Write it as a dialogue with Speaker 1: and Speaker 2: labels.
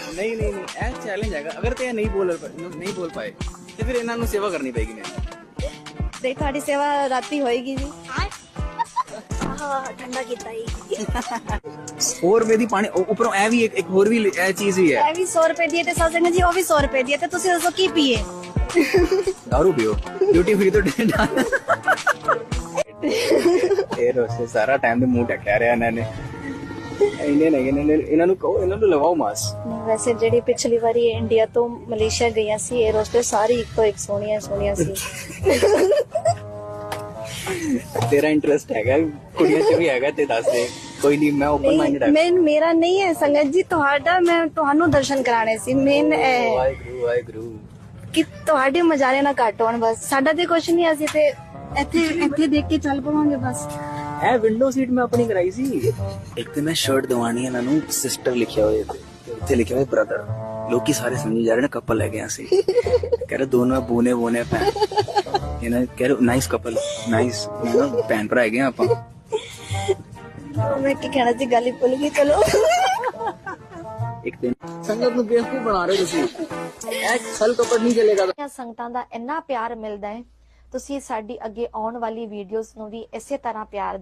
Speaker 1: नहीं नहीं नहीं ਇਹ ਚੈਲੰਜ ਹੈਗਾ ਅਗਰ ਤੇ ਇਹ ਨਹੀਂ ਬੋਲ ਪਾਏ ਤੇ ਫਿਰ ਇਹਨਾਂ ਨੂੰ ਸੇਵਾ ਕਰਨੀ ਪੈਗੀ ਮੈਨੂੰ
Speaker 2: ਤੇ ਤੁਹਾਡੀ ਸੇਵਾ ਰਾਤੀ ਹੋਏਗੀ ਜੀ ਠੰਡਾ ਕੀਤਾ ਹੀ
Speaker 1: 100 ਰੁਪਏ ਦੀ ਪਾਣੀ ਉੱਪਰੋਂ ਇਹ ਵੀ ਇੱਕ ਹੋਰ ਵੀ ਇਹ ਚੀਜ਼ ਵੀ ਹੈ
Speaker 2: ਇਹ ਵੀ 100 ਰੁਪਏ ਦੀ ਹੈ ਤੇ ਸਾਜਨ ਜੀ ਉਹ ਵੀ 100 ਰੁਪਏ ਦੀ ਹੈ ਤੇ ਤੁਸੀਂ ਦੱਸੋ ਕੀ ਪੀਏ
Speaker 1: दारू पियो ड्यूटी फ्री तो ਇਹ ਰੋਸੇ ਸਾਰਾ ਟਾਈਮ ਦੇ ਮੂੰਹ ਟੱਕਿਆ ਰਿਹਾ ਇਹਨਾਂ ਨੇ ਇਹਨਾਂ ਨੂੰ ਕਹੋ ਇਹਨਾਂ ਨੂੰ ਲਗਾਓ ਮਾਸ
Speaker 2: ਨਹੀਂ ਵੈਸੇ ਜਿਹੜੀ ਪਿਛਲੀ ਵਾਰੀ ਇੰਡੀਆ ਤੋਂ ਮਲੇਸ਼ੀਆ ਗਈਆਂ ਸੀ 에ਅਰ ਹੋਸਟਸ ਸਾਰੀ ਇੱਕ ਤੋਂ ਇੱਕ ਸੋਹਣੀਆਂ ਸੀ
Speaker 1: ਤੇਰਾ ਇੰਟਰਸਟ ਹੈਗਾ ਕੁੜੀਆਂ 'ਚ ਵੀ ਹੈਗਾ ਤੇ ਦੱਸ ਦੇ ਕੋਈ ਨਹੀਂ ਮੈਂ ਓਪਨ ਮਾਈਂਡਡ ਹਾਂ
Speaker 2: ਮੇਰਾ ਨਹੀਂ ਹੈ ਸੰਗਤ ਜੀ ਤੁਹਾਡਾ ਮੈਂ ਤੁਹਾਨੂੰ ਦਰਸ਼ਨ ਕਰਾਣੇ ਸੀ ਮੇਨ
Speaker 1: ਵਾਹਿਗੁਰੂ
Speaker 2: ਕਿ ਤੁਹਾਡੇ ਮਜ਼ਾਰੇ ਨਾ ਘੱਟ ਹੋਣ ਬਸ ਸਾਡਾ ਤੇ ਕੁਝ ਨਹੀਂ ਅਸੀਂ ਤੇ ਇੱਥੇ ਦੇਖ ਕੇ ਚੱਲ ਪਵਾਂਗੇ ਬਸ
Speaker 1: ਇਹ ਵਿੰਡੋ ਸੀਟ ਮੈਂ ਆਪਣੀ ਕਰਾਈ ਸੀ ਇੱਕ ਤੇ ਮੈਂ ਸ਼ਰਟ ਦਵਾਣੀ ਇਹਨਾਂ ਨੂੰ ਸਿਸਟਰ ਲਿਖਿਆ ਹੋਇਆ ਤੇ ਉੱਥੇ ਲਿਖਿਆ ਹੋਇਆ ਬ੍ਰਦਰ ਲੋਕੀ ਸਾਰੇ ਸਮਝੀ ਜਾ ਰਹੇ ਨੇ ਕਪਲ ਲੈ ਗਏ ਅਸੀਂ ਕਹਿ ਰਹੇ ਦੋਨੋਂ ਬੋਨੇ ਭੈਣ ਇਹਨਾਂ ਕਹਿ ਰਹੇ ਨਾਈਸ ਕਪਲ ਨਾਈਸ ਭੈਣ ਭਰਾ ਹੈਗੇ ਆਪਾਂ
Speaker 2: ਮੈਂ ਕੀ ਕਹਿਣਾ ਸੀ ਗੱਲ ਹੀ ਭੁੱਲ ਗਈ ਚਲੋ
Speaker 1: ਇੱਕ ਦਿਨ ਸੰਗਤ ਨੂੰ ਬੇਵਕੂਫ ਬਣਾ ਰਹੇ ਤੁਸੀਂ ਇਹ ਛਲ ਕਪੜ ਨਹੀਂ ਚੱਲੇਗਾ
Speaker 2: ਸੰਗਤਾਂ ਦਾ ਇੰਨਾ ਪਿਆਰ ਮਿਲਦਾ ਹੈ ਤੁਸੀਂ ਸਾਡੀ ਅੱਗੇ ਆਉਣ ਵਾਲੀ ਵੀਡੀਓਜ਼ ਨੂੰ ਵੀ ਇਸੇ ਤਰ੍ਹਾਂ ਪਿਆਰ